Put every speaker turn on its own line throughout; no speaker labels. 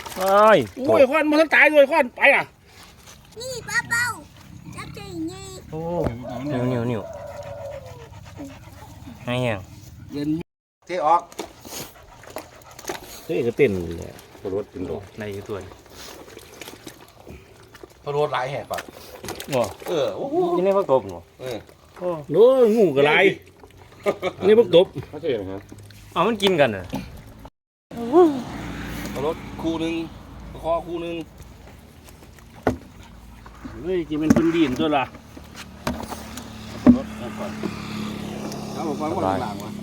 โอ้ยควันมันตายเลยควันไปอ่ะ
นี่ป้าเป้าจับใจนี่
โอ้
นิ้วให้ยัง
เย็นเทออก
เฮ้ยก็เต้นเลยรถเป็นดอก
ในตัว
พอรถหลายแหกป่ะ
ว้า
โอ้โห
ยังไม่พักตบหรอ
โน้งูกระไรนี่พวกตบ
ไม่ใช่เหรอครับ
เอามันกินกันเหรอ
พอรถคู่หนึ่งคอคู่หนึ่ง
เฮ้ยจะเป็นคนดีนตัวละรถก่อน
เอาบอกว่าหมดหลังวะ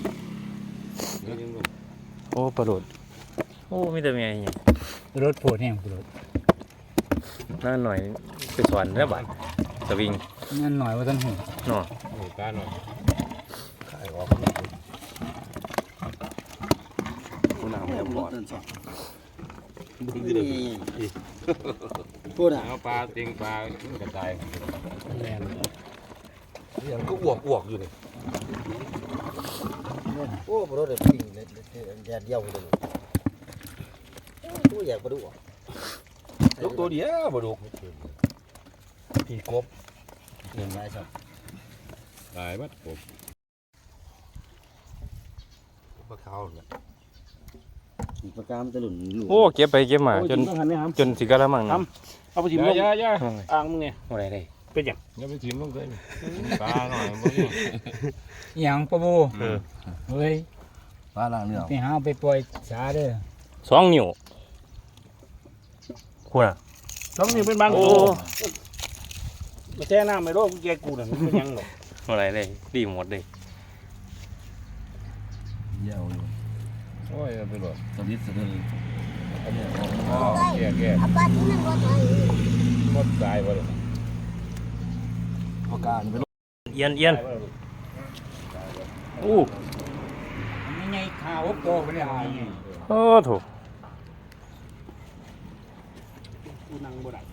โอ้ปลาโดดโอ้มีแต่เมียอย่าง
รถโผล่แห้งรถ
นั่นหน่อยไปสอนแล้วบ้านสวิง
นั่นหน่อยว่าท่านหู
เนาะ
ตาหน่อยขายออกคุณน้ำแล้วบอดพูดอ่ะเอาปลาติงปลากระจายแน่นยังก็อ้วกอยู่นี่
โอ้ปลาเด็กปิ่งเลยแดดเดียวเลยตัวใหญ่ปลาดุก
ยกตัวเดียวปลาดุกผีกบ
เห็นไหมครับ
ตายมัดกบปลาขาวเนี่ย
ปลากามตะหลุนอยู่
โอ้เก็บไปเก็บมาจน
ต้องหันนี่ครับ
จนสิกะละมังนะ
เอาไปถิ่มลงอ่างมึงเนี่ย
อะไรได้
เป็นอย่าง
อย่าไปถิ่มลงเลยปลาหน่อย
อย่างปะบูเฮ้ย
ปลาล่างเนื้อ
ไปหาไปปล่อยสาเด้อ
2 นิ้วคุณอ่ะ
ต้องนี่เป็นบางตัวมาแช่น้ำไม่รู้แกกูน่ะมันเป็นยังหรอก
อะไรได้ดีหมดเลย
เยี่ยวอยู่
โอ้ยไปหลด
สวิตสะดืออันนี้
อ๋อแก่
เอาป้าที่นั่งรถไฟ
หมดตายไปเลย
ปลากามเป็น
เอียนโอ้
ไม่ไงข่าวโตไปเนี่ย
โอ้ถูก
กูนั่งบ่ได้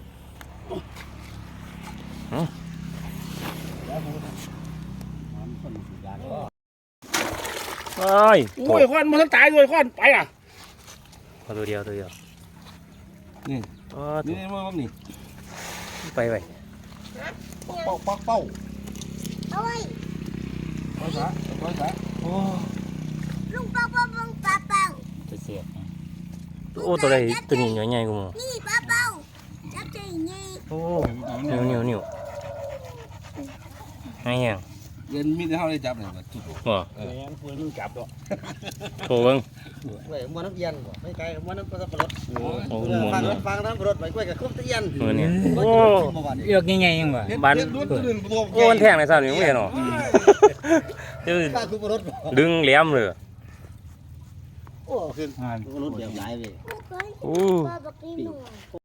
โอ้ย
โอ้ยควันมันตายเลยควันไปอ่ะ
ตัวเดียว
นี่
โอ้
นี่มันนี่
ไป
เป้าเป้า
เอาไว้
ภาษาโอ้
ลุงเป้าเป้าลุงป้าเป้า
จะเสีย
โอ้ตัวใดตัวนี้ใหญ่ๆกูมั้ง
นี่ป้าเป้าจับใจนี่
โอ้นิ้วให้ยัง
เงินมีแต่เท่าได้จับเลยทุกคน
บ่
แหงปืนมึงจับดอก
โถเบิ่ง
ไว้ม้วนน้ำเย็นไม่ไกลม้วนน้ำปลารถ
โอ้
ฟังน้ำรถไปกล้วยกับคุ้มตะเย็น
มือเนี่ย
โอ้
เลือกยังไงยังวะ
บ้าน
รถตัวอื่นตัว
โอ้มันแทงในซ้ำนี่มึงเห็นหรอเดี๋ยว
ป้าคุ้มรถ
ดึงแหลมเลย
โอ้ขึ้นรถเดียวย้ายไป
ลูกเอ้ย
โอ้
ป้าบอกกินหนู